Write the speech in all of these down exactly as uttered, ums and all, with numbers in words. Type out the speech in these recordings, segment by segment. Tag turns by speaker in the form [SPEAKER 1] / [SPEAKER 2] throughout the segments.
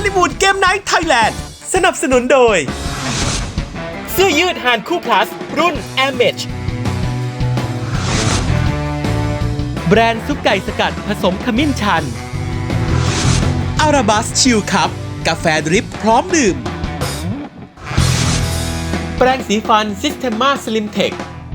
[SPEAKER 1] ลิวูดเกมไนท์ไทยแลนด์สนับสนุนโดยเสื้อยืดฮานคู่พลัสรุ่น Air Mesh แบรนด์ซุปไก่สกัดผสมขมิ้นชันอาราบัสชิลคัพกาแฟดริปพร้อมดื่มแปรงสีฟันซิสเทม a าสลิมเทค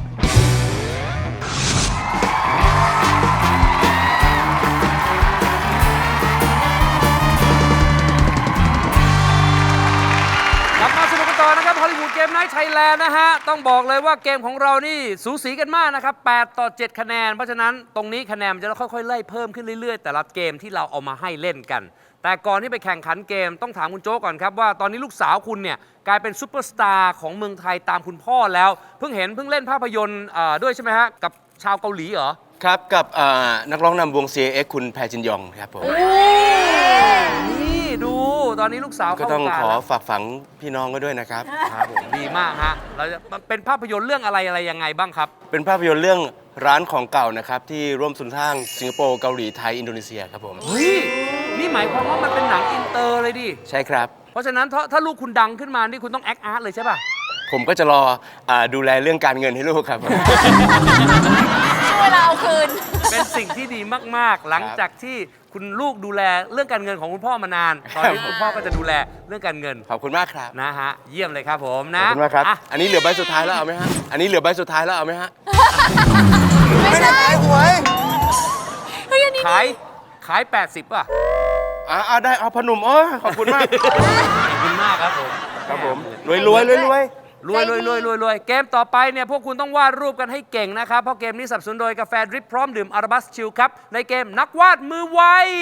[SPEAKER 2] นะครับฮอลลีวูดเกมไนท์ไทยแลนด์นะฮะต้องบอกเลยว่าเกมของเรานี่สูสีกันมากนะครับแปดต่อเจ็ดคะแนนเพราะฉะนั้นตรงนี้คะแนนจะค่อยๆไล่เพิ่มขึ้นเรื่อยๆแต่ละเกมที่เราเอามาให้เล่นกันแต่ก่อนที่ไปแข่งขันเกมต้องถามคุณโจ๊กก่อนครับว่าตอนนี้ลูกสาวคุณเนี่ยกลายเป็นซูเปอร์สตาร์ของเมืองไทยตามคุณพ่อแล้วเพิ่งเห็นเพิ่งเล่นภาพยนตร์ด้วยใช่ไหมฮะกับชาวเกาหลีเหรอ
[SPEAKER 3] ครับกับนักร้องนำวง ซี เอ เอ็กซ์ คุณแพรจินยองครับผม
[SPEAKER 2] นี่ดูตอนนี้ลูกสาว
[SPEAKER 3] ก็ต้องขอฝากฝังพี่น้องก็ด้วยนะครับ
[SPEAKER 2] ครับผมดีมากฮะเราจะเป็นภาพยนตร์เรื่องอะไรอะไรยังไงบ้างครับ
[SPEAKER 3] เป็นภาพยนตร์เรื่องร้านของเก่านะครับที่ร่วมสุนทางสิงคโปร์เกาหลีไทยอินโดนีเซียครับผม
[SPEAKER 2] เฮ้ยนี่หมายความว่ามันเป็นหนังอินเตอร์เลยดิ
[SPEAKER 3] ใช่ครับ
[SPEAKER 2] เพราะฉะนั้นถ้าถ้าลูกคุณดังขึ้นมานี่คุณต้องแอคอาร์ตเลยใช่ป่ะ
[SPEAKER 3] ผมก็จะรอดูแลเรื่องการเงินให้ลูกครับ
[SPEAKER 4] ช่วยเราเอาคืน
[SPEAKER 2] เป็นสิ่งที่ดีมากๆหลังจากที่คุณลูกดูแลเรื่องการเงินของคุณพ่อมานานตอนนี้คุณพ่อก็จะดูแลเรื่องการเงิน
[SPEAKER 3] ขอบคุณมากครับ
[SPEAKER 2] นะฮะเยี่ยมเลยครับผมนะ
[SPEAKER 3] ขอบคุณมากครับอันนี้เหลือใบสุดท้ายแล้วเอาไหมฮะอันนี้เหลือใบสุดท้ายแล้วเอาไหมฮะ
[SPEAKER 4] ไม่ได้ขายหวย
[SPEAKER 2] ขายขายแปดสิบป่ะ
[SPEAKER 3] อ่าได้เอาพนุ่มโอ้ขอบคุณมาก
[SPEAKER 2] ขอบคุณมากครับผม
[SPEAKER 3] ครับผมรวยรวยรวยรวย
[SPEAKER 2] รวยรวยรวยรวยรวยเกมต่อไปเนี่ยพวกคุณต้องวาดรูปกันให้เก่งนะครับเพราะเกมนี้สนับสนุนโดยกาแฟดริปพร้อมดื่มอาราบัสชิลครับในเกมนักวาดมือไว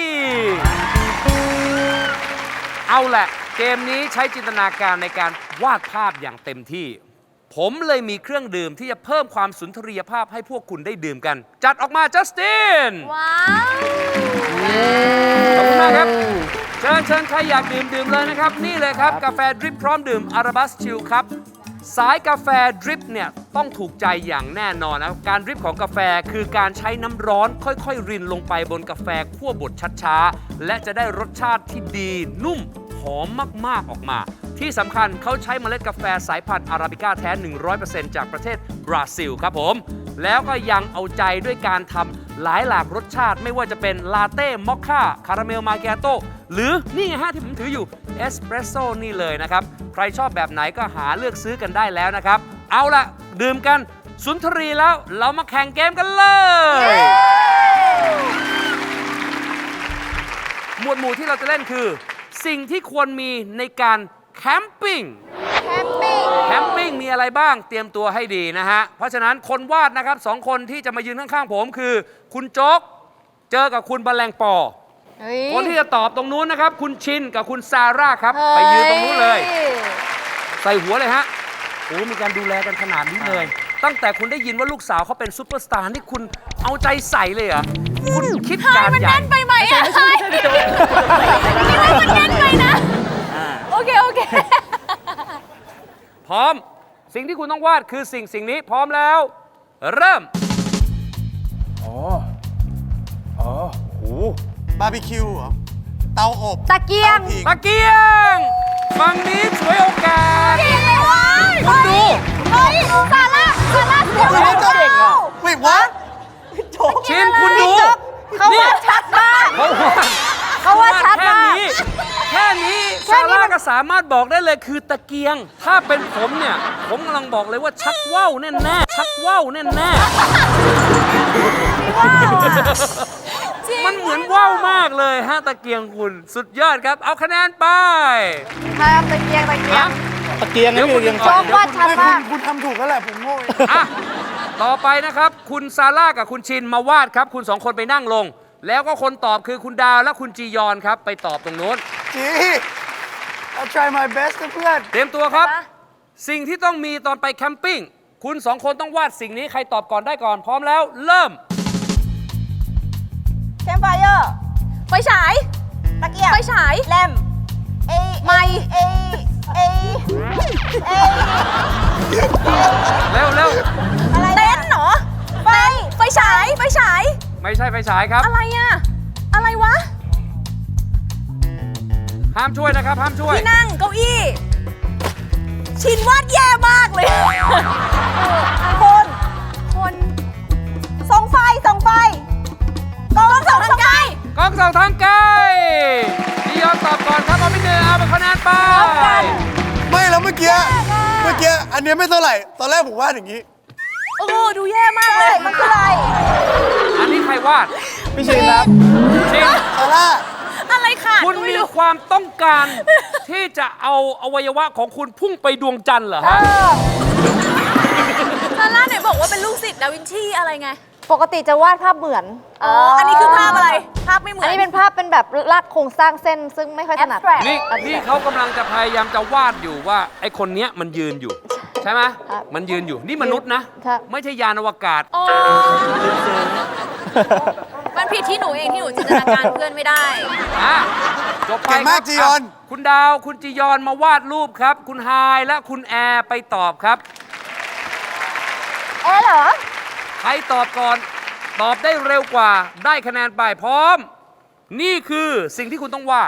[SPEAKER 2] เอาแหละเกมนี้ใช้จินตนาการในการวาดภาพอย่างเต็มที่ผมเลยมีเครื่องดื่มที่จะเพิ่มความสุนทรียภาพให้พวกคุณได้ดื่มกันจัดออกมาจัสติน
[SPEAKER 4] ว้าว
[SPEAKER 2] ขอบคุณมากครับเชิญเชิญใครอยากดื่มดื่มเลยนะครับนี่เลยครับกาแฟดริปพร้อมดื่มอาราบัสชิลครับสายกาแฟดริปเนี่ยต้องถูกใจอย่างแน่นอนนะการดริปของกาแฟคือการใช้น้ำร้อนค่อยๆรินลงไปบนกาแฟคั่วบดช้าๆและจะได้รสชาติที่ดีนุ่มหอมมากๆออกมาที่สำคัญเขาใช้เมล็ดกาแฟสายพันธุ์อาราบิก้าแท้ หนึ่งร้อยเปอร์เซ็นต์ จากประเทศบราซิลครับผมแล้วก็ยังเอาใจด้วยการทำหลายหลากรสชาติไม่ว่าจะเป็นลาเต้มอคค่าคาราเมลมาเกียโต้หรือนี่ไงฮะที่ผมถืออยู่เอสเปรสโซ่นี่เลยนะครับใครชอบแบบไหนก็หาเลือกซื้อกันได้แล้วนะครับเอาละดื่มกันสุนทรีแล้วเรามาแข่งเกมกันเลยหมวดหมู่ที่เราจะเล่นคือสิ่งที่ควรมีในการแคมปิ้ง
[SPEAKER 4] แคมปิ้ง
[SPEAKER 2] แคมปิ้งมีอะไรบ้างเตรียมตัวให้ดีนะฮะเพราะฉะนั้นคนวาดนะครับสองคนที่จะมายืนข้างๆผมคือคุณโจ๊กเจอกับคุณแมลงปอคนที่จะตอบตรงนู้นนะครับคุณชินกับคุณซาร่าครับไปยืนตรงนู้นเลยใส่หัวเลยฮะโอ้มีการดูแลกันขนาดนี้เลยตั้งแต่คุณได้ยินว่าลูกสาวเขาเป็นซุปเปอร์สตาร์นี่คุณเอาใจใส่เลยเหรอคุณคิดการใหญ่
[SPEAKER 4] มันแน่นไปไหมอ่ะใช่ไม่ใช่คิดว่ามันแน่นไปนะโอเคโอเค
[SPEAKER 2] พร้อมสิ่งที่คุณต้องวาดคือสิ่งสิ่งนี้พร้อมแล้วเริ่ม
[SPEAKER 3] อ๋ออ๋อโห
[SPEAKER 5] บาร์บีคิวเหรอเตาอบ
[SPEAKER 4] ตะเกียง
[SPEAKER 2] ตะเกียงฝั่งนี้ช่วยโอกาสคุณดู
[SPEAKER 4] เฮ้ยซาร่าซาร่าเดี๋ยวเราเก่งอ่ะ
[SPEAKER 5] ไม่วะ
[SPEAKER 2] ชินคุณดู
[SPEAKER 4] เขาว่าชัดมาก
[SPEAKER 2] เขาว่า
[SPEAKER 4] เขาว่าชัดมาก
[SPEAKER 2] แค่นี้ซาร่าก็สามารถบอกได้เลยคือตะเกียงถ้าเป็นผมเนี่ยผมกำลังบอกเลยว่าชักว่าวแน่แน่ชักว่าวแน่แน่มันเหมือนว่าวมากเลยฮะตะเกียงคุณสุดยอดครับเอาคะแนนไป
[SPEAKER 4] ครับตะเกียงตะเกียง
[SPEAKER 3] ตะเกียงนี่คือยัง
[SPEAKER 4] ชอบว่าชัดมาก
[SPEAKER 5] คุณทำถูกแล้วแหละผมโง่
[SPEAKER 2] อ่ะต่อไปนะครับคุณซาร่ากับคุณชินมาวาดครับคุณสองคนไปนั่งลงแล้วก็คนตอบคือคุณดาวและคุณจียอนครับไปตอบตรงโน้น
[SPEAKER 5] จี I'll try my best เพื่อน
[SPEAKER 2] เตรียมตัวครับสิ่งที่ต้องมีตอนไปแคมปิ้งคุณสองคนต้องวาดสิ่งนี้ใครตอบก่อนได้ก่อนพร้อมแล้วเริ่ม
[SPEAKER 4] แคมป์ไฟเออร์ไฟฉายตะเกียงไฟฉายแลมเอไมเอเอเอ
[SPEAKER 2] เร็วเร็ว
[SPEAKER 4] อะไรเต้นเหรอไฟไฟฉายไฟฉาย
[SPEAKER 2] ไม่ใช่ไฟฉายครับ
[SPEAKER 4] อะไรอะอะไรวะ
[SPEAKER 2] ห้ามช่วยนะครับ ห้ามช่วย
[SPEAKER 4] ที่นั่งเก้าอี้ ชินวาดแย่มากเลยคน คนส่องไฟส่องไฟกองส่องทางไกล
[SPEAKER 2] กล้องสองทางไกลจียอนตอบก่อนครับเอาไปหนึ่งเอาไปคะแนนไป
[SPEAKER 5] ไม่แล้วเมื่อกี้ เมื่อกี้ อันเนี้ยไม่เท่าไหร่ ตอนแรกผมวาดอย่างนี้
[SPEAKER 4] เออดูแย่มากเลย มันคืออะไร
[SPEAKER 2] อันนี้ใครวาด
[SPEAKER 5] พี่ชินครับ
[SPEAKER 2] ชิน
[SPEAKER 5] ซาร่า
[SPEAKER 4] อะไรค่ะ
[SPEAKER 2] คุณมีความต้องการที่จะเอาอวัยวะของคุณพุ่งไปดวงจันทร์เหรอฮะ
[SPEAKER 4] ซาร่าไหนบอกว่าเป็นลูกศิษย์ดาวินชีอะไรไง
[SPEAKER 6] ปกติจะวาดภาพเหมือน
[SPEAKER 4] อ๋อ อันนี้คือภาพอะไร ภาพไม่เหมือน
[SPEAKER 6] อันนี้เป็นภาพเป็นแบบลากโครงสร้างเส้นซึ่งไม่ค่อยถนัด
[SPEAKER 4] Abstract
[SPEAKER 2] นี่นี่เขากำลังจะพยายามจะวาดอยู่ว่าไอ้คนเนี้ยมันยืนอยู่ ใช่ไหม
[SPEAKER 6] ครับ
[SPEAKER 2] มันยืนอยู่นี่มนุษย์นะ
[SPEAKER 6] ครับ
[SPEAKER 2] ไม่ใช่ยานอวกาศ
[SPEAKER 4] อ๋อมันผิดที่หนูเองที่หนูจินตนาการเพื่อนไม่ได้
[SPEAKER 2] อ่ะจบไป
[SPEAKER 5] เก่งมาก
[SPEAKER 2] ครับ
[SPEAKER 5] จียอน
[SPEAKER 2] ะคุณดาวคุณจียอนมาวาดรูปครับ คุณไฮายและคุณแอร์ไปตอบครับ
[SPEAKER 6] เอ๊ะเหรอ
[SPEAKER 2] ใครตอบก่อน ตอบได้เร็วกว่าได้คะแนนไปพร้อม นี่คือสิ่งที่คุณต้องวาด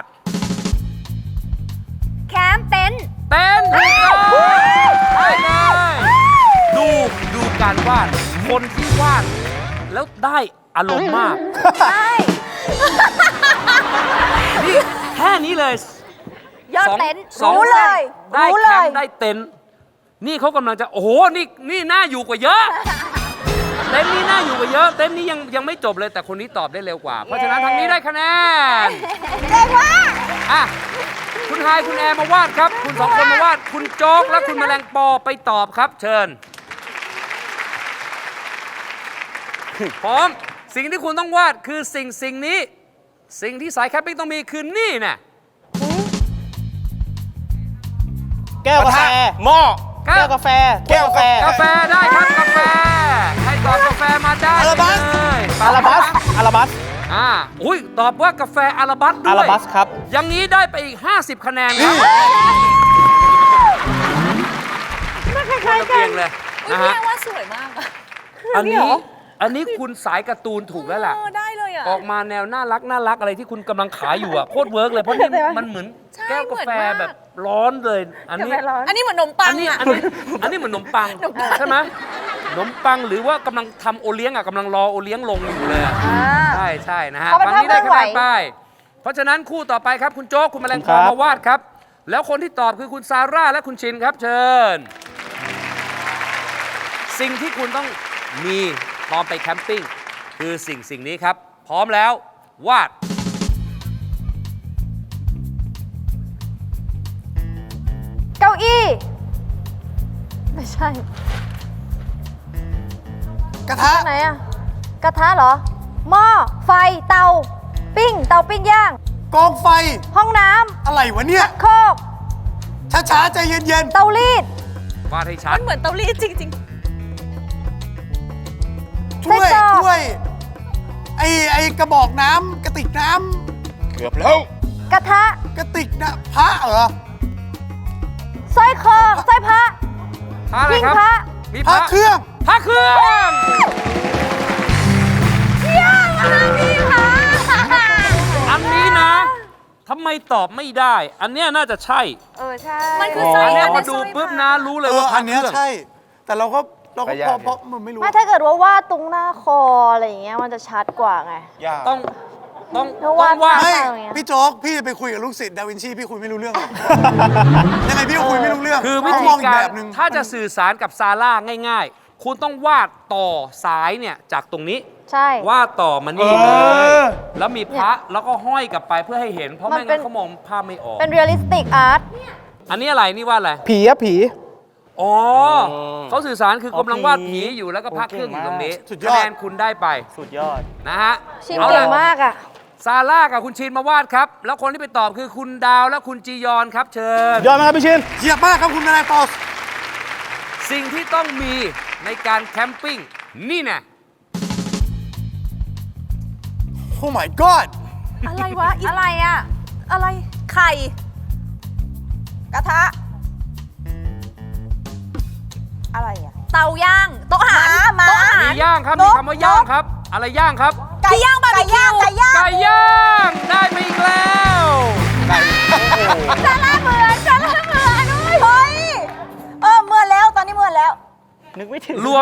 [SPEAKER 6] แคมป์เต็นท์
[SPEAKER 2] เต้นถูกต้องได้เลยดูดูการวาด คนที่วาด แล้วได้อารมณ์มาก
[SPEAKER 6] ใช่
[SPEAKER 2] นี่แค่นี้เลย
[SPEAKER 6] ยอด
[SPEAKER 2] สอง
[SPEAKER 6] เต็นท์
[SPEAKER 2] สอง
[SPEAKER 6] รู้เลย
[SPEAKER 2] ได้
[SPEAKER 6] รู้
[SPEAKER 2] แค
[SPEAKER 6] เล
[SPEAKER 2] ม
[SPEAKER 6] ย
[SPEAKER 2] ป์ได้เต็นท์นี่เขากำลังจะโอ้โหนี่นี่น่าอยู่กว่าเยอะ เต็นท์นี้น่าอยู่กว่าเยอะ เต็นท์นี้ยังยังไม่จบเลยแต่คนนี้ตอบได้เร็วกว่า เพราะฉะนั้นทางนี้ได้คะแนน
[SPEAKER 6] เจ๋งมาก
[SPEAKER 2] อ่ะคุณไฮายคุณแอร์มาวาดครับ คุณสองคนมาวาด คุณโจ๊กและคุณแมลงปอไปตอบครับ เชิญ พร้อม สิ่งที่คุณต้องวาดคือสิ่งสิ่งนี้ สิ่งที่สายแคมปิ้งต้องมีคือนี่น่ะ
[SPEAKER 7] แก้วกาแฟ
[SPEAKER 3] หม้อ
[SPEAKER 2] ครั
[SPEAKER 7] แก้
[SPEAKER 2] บ
[SPEAKER 7] วกาแฟ แก้วกาแฟ
[SPEAKER 2] กาแฟได้ครับกาแฟใครตอบกาแฟมาได้
[SPEAKER 5] อาราบัส
[SPEAKER 2] เลย
[SPEAKER 7] อาราบัส อาราบัส
[SPEAKER 2] อ่าอุ้ยตอบว่ากาแฟอาราบัสด้วย
[SPEAKER 7] อาราบัสครับ
[SPEAKER 2] อย่างนี้ได้ไปอีก ห้าสิบ คะแนนครับคล้ายๆกันเลย
[SPEAKER 4] อุ้ย
[SPEAKER 2] นะ
[SPEAKER 4] พี่
[SPEAKER 2] ฮะ
[SPEAKER 4] แอว่าสวยมากอะ
[SPEAKER 2] อันนี้อันนี้คุณสายการ์ตูนถูกแล้วล่ะ
[SPEAKER 4] เออได้เลยอ่ะ
[SPEAKER 2] ออกมาแนวน่ารักน่ารักอะไรที่คุณกำลังขายอยู่อ่ะโคตรเวิร์กเลยเพราะนี่มันเหมือน
[SPEAKER 4] ใช่
[SPEAKER 2] แก้วกาแฟ
[SPEAKER 4] เหมือนมาก
[SPEAKER 2] แบบร้อนเลย อันนี้
[SPEAKER 4] อันนี้เหมือนขนมปั
[SPEAKER 2] อั
[SPEAKER 4] ง
[SPEAKER 2] นนี้
[SPEAKER 4] อ่ะ
[SPEAKER 2] อันนี้อันนี้เหมือนขนมปังใช่ไหมขนมปังหรือว่ากำลังทำโอเลี้ยงอ่ะกำลังรอโอเลี้ยงลงอยู่เลยอะใช่ใช่นะฮะ
[SPEAKER 6] เขาเป็น
[SPEAKER 2] ฝั่งนี้ได้คะแนน
[SPEAKER 6] ภาพเคลื่อนไหว
[SPEAKER 2] ไปเพราะฉะนั้นคู่ต่อไปครับคุณโจ๊กคุณแมลง
[SPEAKER 7] ค
[SPEAKER 2] ป
[SPEAKER 7] รั
[SPEAKER 2] อบ มาวาดครับ แล้วคนที่ตอบคือคุณซาร่าและคุณชินครับเชิญ สิ่งที่คุณต้องมีพร้อมไปแคมปิ้งคือสิ่งสิ่งนี้ครับ พร้อมแล้ววาด
[SPEAKER 6] เก้าอี้ ไม่ใช่
[SPEAKER 5] กระทะ
[SPEAKER 6] ไหนอะกระทะเหรอ หม้อ ไฟ เตา ปิ้ง เตาปิ้งย่าง
[SPEAKER 5] กองไฟ
[SPEAKER 6] ห้องน้
[SPEAKER 5] อะไรวะเนี่ย
[SPEAKER 6] ำ โคก
[SPEAKER 5] ช้าๆ ใจเย็น
[SPEAKER 6] เตารีด
[SPEAKER 2] วาดให้ชั
[SPEAKER 4] มั
[SPEAKER 2] ด
[SPEAKER 4] นเหมือนเตารีดจริง
[SPEAKER 5] ๆ ถ้วย
[SPEAKER 6] ไส้กรอก
[SPEAKER 5] ถ้วย ไอไอกระบอกน้ำกระติกน้
[SPEAKER 3] เกือบแล้ว
[SPEAKER 6] กระทะ
[SPEAKER 5] ำกระติกน้ำพระเหรอ
[SPEAKER 6] สร้อยคอสร้อยพระ
[SPEAKER 2] พระอะไรครับ
[SPEAKER 6] หิ้งพระ
[SPEAKER 2] มี
[SPEAKER 5] พระเครื่อง
[SPEAKER 2] พระเครื่อง
[SPEAKER 6] เยี่ยมมากพี่คะ
[SPEAKER 2] อันนี้นะทำไมตอบไม่ได้ อันเนี้ยน่าจะใช่
[SPEAKER 6] เออ ใช่
[SPEAKER 4] มันคือสร้
[SPEAKER 2] อั
[SPEAKER 4] ย
[SPEAKER 2] นเนี้ย
[SPEAKER 4] อัน
[SPEAKER 2] พ
[SPEAKER 4] นี้
[SPEAKER 2] อดู
[SPEAKER 4] สร้อย
[SPEAKER 2] ปุ๊บ
[SPEAKER 4] พระ
[SPEAKER 2] นะรู้เลย
[SPEAKER 5] เอ
[SPEAKER 2] ว่า
[SPEAKER 5] อ
[SPEAKER 2] พ
[SPEAKER 5] อั
[SPEAKER 2] ระ
[SPEAKER 5] น
[SPEAKER 2] เค
[SPEAKER 5] เนี้ย
[SPEAKER 2] รื่อง
[SPEAKER 5] ใช่ แต่เราก็เราก็
[SPEAKER 3] ก็ยาก
[SPEAKER 5] เพราะเพราะมันไม่รู้
[SPEAKER 6] ไม่ถ้าเกิดว่าวาดตรงหน้าคออะไรอย่างเงี้ยมันจะชัดกว่าไง
[SPEAKER 3] ยาก
[SPEAKER 2] ต้องต้อง
[SPEAKER 6] แล้ว
[SPEAKER 2] ต้
[SPEAKER 6] วา
[SPEAKER 2] อ
[SPEAKER 6] ด
[SPEAKER 2] งวาด
[SPEAKER 5] ไม่
[SPEAKER 6] อะไรอย่างเงี้ย
[SPEAKER 5] พี่โจ๊ก พี่ไปคุยกับลูกศิษย์ดาวินชี พี่คุยไม่รู้เรื่องหรอก ยังไงพี่ก็คุยไม่รู้เรื่อง
[SPEAKER 2] คือวิ
[SPEAKER 5] เขา
[SPEAKER 2] ธี
[SPEAKER 5] มองอีก
[SPEAKER 2] กา
[SPEAKER 5] แบ
[SPEAKER 2] ร
[SPEAKER 5] บหนึ่ง
[SPEAKER 2] ถ้าจะสื่อสารกับซาร่าง่ายๆ คุณต้องวาดต่อสายเนี่ยจากตรงนี้
[SPEAKER 6] ใช่
[SPEAKER 2] วาดต่อมานี่เล
[SPEAKER 5] เอย อ
[SPEAKER 2] แล้วมีพระแล้วก็ห้อยกลับไปเพื่อให้เห็น เพราะ
[SPEAKER 6] มัน
[SPEAKER 2] ไม่
[SPEAKER 6] เป็
[SPEAKER 2] งั้
[SPEAKER 6] น
[SPEAKER 2] นเขามองภาพไม่ออก
[SPEAKER 6] เป็น realistic art
[SPEAKER 2] อันนี้อะไรนี่วาดอะไร
[SPEAKER 7] ผีอะผี
[SPEAKER 2] อ๋อเขาสื่อสารคือกำลังวาดผีอยู่แล้วก็พระเครื่องอยู่ตรงนี้
[SPEAKER 5] สุดยอด
[SPEAKER 2] คะแนนคุณได้ไป
[SPEAKER 7] สุดยอด
[SPEAKER 2] นะฮะ
[SPEAKER 6] ชิน
[SPEAKER 2] เอา
[SPEAKER 6] เก่
[SPEAKER 2] ล่ะ
[SPEAKER 6] งมากอ่ะ
[SPEAKER 2] ซาร่ากับคุณชินมาวาดครับ แล้วคนที่ไปตอบคือคุณดาวและคุณจียอนครับเชิญ
[SPEAKER 7] ยอดไหมครับพี่ชิน
[SPEAKER 5] เยียบมากครับคุณนายปอส
[SPEAKER 2] สิ่งที่ต้องมีในการแคมปิ้งนี่แน่
[SPEAKER 5] โอ้ my god
[SPEAKER 4] ๆ อะไรวะอี
[SPEAKER 6] อะไรอ่ะ
[SPEAKER 4] อะไร ไข่ กระทะ อะไรอ่ะ เตาย่าง โต๊ะอาหารโต๊ะอาหาร
[SPEAKER 2] มีย่างครับ มีคำว่าย่างครับ อะไรย่างครับ
[SPEAKER 4] ไก่ย่างบาร์บีคิวไก่ย่าง
[SPEAKER 2] ไก่ย่างได้ไปอีกแล้ว
[SPEAKER 3] ไก่โอ้โห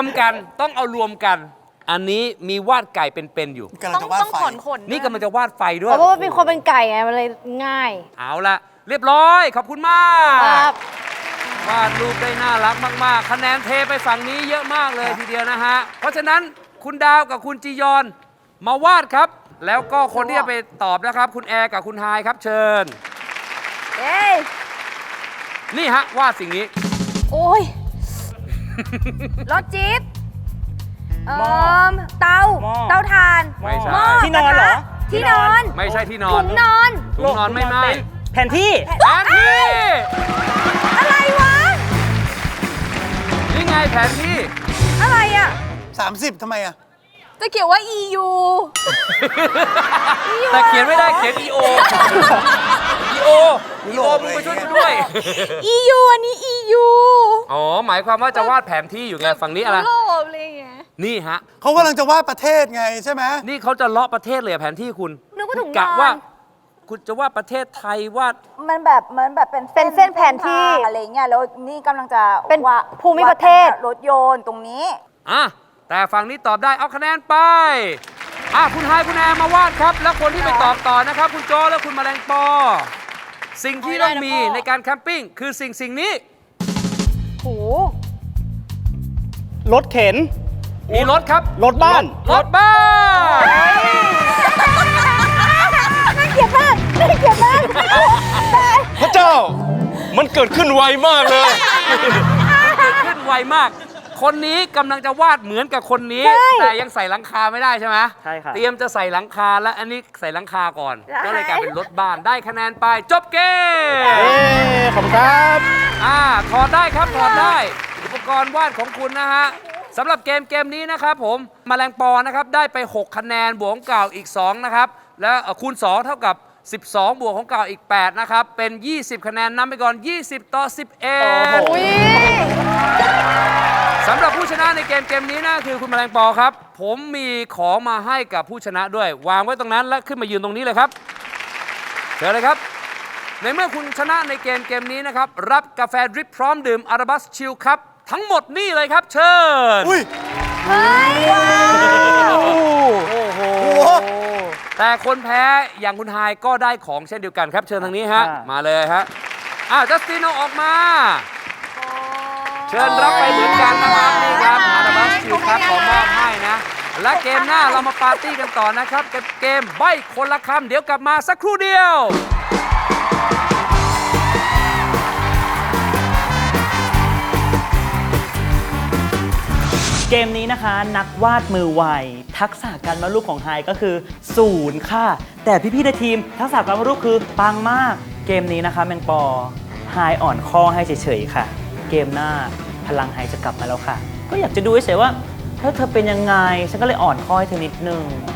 [SPEAKER 2] มกันต้องเอารวมกัน อันนี้มีวาดไก่เป็นๆอยู่
[SPEAKER 5] กำลัง
[SPEAKER 4] ต้อง
[SPEAKER 5] จะวาด
[SPEAKER 4] ต้อง
[SPEAKER 5] ไฟ
[SPEAKER 4] ขนขน
[SPEAKER 2] นี่กำลังจะวาดไฟด้
[SPEAKER 6] เพ
[SPEAKER 2] วย
[SPEAKER 6] ราะว่าเป็นคนเป็นไก่ไง มันเลยง่าย
[SPEAKER 2] เอาละเรียบร้อย ขอบคุณมาก
[SPEAKER 6] ครับ
[SPEAKER 2] วาดรูปได้น่ารักมาก ๆ คะแนนเทไปฝั่งนี้เยอะมากเลยทีเดียวนะฮะ เพราะฉะนั้นคุณดาวกับคุณจียอนมาวาดครับ แล้วก็คนที่จะไปตอบนะครับ คุณแอร์กับคุณไฮายครับเชิญ
[SPEAKER 6] เอ้ย
[SPEAKER 2] นี่ฮะวาดสิ่งนี้
[SPEAKER 6] โอ้ย รถจี๊ปเอ่อเตา
[SPEAKER 7] หม้อ
[SPEAKER 6] เตาถ่าน
[SPEAKER 2] ไม่ใช่
[SPEAKER 6] หม้อ
[SPEAKER 7] ที่นอนเหรอ
[SPEAKER 6] ที่นอน
[SPEAKER 2] ไม่ใช่ที่นอ
[SPEAKER 6] ถุ
[SPEAKER 2] น
[SPEAKER 6] งนอน
[SPEAKER 2] ถุงนอนไม่ไม่
[SPEAKER 7] แผนที่
[SPEAKER 2] แผนที่
[SPEAKER 6] อะไรวะ
[SPEAKER 2] นี่ไงแผนที่
[SPEAKER 6] อะไรอ่ะ
[SPEAKER 5] สามสิบทำไมอ่ะ
[SPEAKER 4] จะเขียนว่า อี ยู
[SPEAKER 2] แต่เขียนไม่ได้เขียน อี โอ อี โอ อี โอมึงไปช่วยกูด้วย
[SPEAKER 4] อี ยู อันนี้ อี ยู
[SPEAKER 2] อ๋อ หมายความว่าจะวาดแผนที่อยู่ไงฝั่งนี้อะไร
[SPEAKER 4] โลภอะไรอย่างเงี้ย
[SPEAKER 2] นี่ฮะ
[SPEAKER 5] เขากำลังจะวาดประเทศไงใช่ไหม
[SPEAKER 2] นี่เขาจะเลาะประเทศเลยอะแผนที่คุณ
[SPEAKER 6] นึกว่าถุงนอน
[SPEAKER 2] กะว่า คุณจะวาดประเทศไทยวาด
[SPEAKER 4] มันแบบเหมือนแบบเป็น
[SPEAKER 6] เป็นเส้นแผนที่
[SPEAKER 4] ทางอะไรเงี้ย แล้วนี่กำลังจะ
[SPEAKER 6] เป็น
[SPEAKER 4] ว่า
[SPEAKER 6] ภูมิประเทศ
[SPEAKER 4] รถยนต์ตรงนี้
[SPEAKER 2] อ่ะ แต่ฝั่งนี้ตอบได้เอาคะแนนไป อ่ะ คุณไฮายคุณแอร์มาวาดครับ แล้วคนที่ไปตอบต่อนะครับ คุณโจและคุณแมลงปอ สิ่งที่ต้องมีในการแคมปิ้งคือสิ่งสิ่งนี้
[SPEAKER 6] โห
[SPEAKER 7] รถเข็น
[SPEAKER 2] มีรถครับ
[SPEAKER 7] รถบ้าน
[SPEAKER 2] รถบ้าน
[SPEAKER 6] น่าเกลียดมากน่าเกลียดมาก
[SPEAKER 3] พระเจ้า มันเกิดขึ้นไวมากเลย
[SPEAKER 2] เกิดขึ้นไวมาก คนนี้กำลังจะวาดเหมือนกับคนนี้ แต่ยังใส่หลังคาไม่ได้ใช่ไหม
[SPEAKER 7] ใช่ครับ
[SPEAKER 2] เตรียมจะใส่หลังคาแล้วอันนี้ใส่หลังคาก่อน ก็เลยกลายเป็นรถบ้านได้คะแนนไปจบเกม
[SPEAKER 7] เอ้ขอบคุณครับ
[SPEAKER 2] อ่าถอดได้ครับถอดได้ อุปกรณ์วาดของคุณนะฮะสำหรับเกมเกมนี้นะครับผมแมลงปอนะครับได้ไป หก คะแนนบวกของเก่าอีก สอง นะครับ แล้วเอ่อคูณ สอง เท่ากับ สิบสอง บวกของเก่าอีก แปด นะครับ เป็น ยี่สิบ คะแนนนำไปก่อน ยี่สิบ ต่อ สิบเอ็ด
[SPEAKER 6] อุ้ย
[SPEAKER 2] สำหรับผู้ชนะในเกมเกมนี้นะคือคุณแมลงปอครับ ผมมีของมาให้กับผู้ชนะด้วย วางไว้ตรงนั้นและขึ้นมายืนตรงนี้เลยครับเชิญเลยครับ ในเมื่อคุณชนะในเกมเกมนี้นะครับ รับกาแฟดริปพร้อมดื่มอาราบัสชิลครับ ทั้งหมดนี่เลยครับเชิญ
[SPEAKER 5] อุ้ย
[SPEAKER 2] โอ้โห แต่คนแพ้อย่างคุณไฮายก็ได้ของเช่นเดียวกันครับเชิญทางนี้ฮะ
[SPEAKER 7] อ่าม
[SPEAKER 2] มาเลยฮะอ้าวจัสตินเอาออกมา เชิญรับไปเหมือนกันนะครับนี่ครับอาราบัสชิลครับขอมอบให้นะ และเกมหน้าเรามาปาร์ตี้กันต่อนะครับกับเกมใบ้คนละคำเดี๋ยวกลับมาสักครู่เดียว
[SPEAKER 7] เกมนี้นะคะนักวาดมือไวทักษะการวาดรูปของไฮก็คือศูนย์ค่ะ แต่พี่ๆในทีมทักษะการวาดรูปคือปังมาก เกมนี้นะคะแมงปอไฮอ่อนข้อให้เฉยๆค่ะ เกมหน้าพลังไฮจะกลับมาแล้วค่ะ ก็อยากจะดูเฉยๆว่าถ้าเธอเป็นยังไงฉันก็เลยอ่อนข้อให้เธอนิดนึง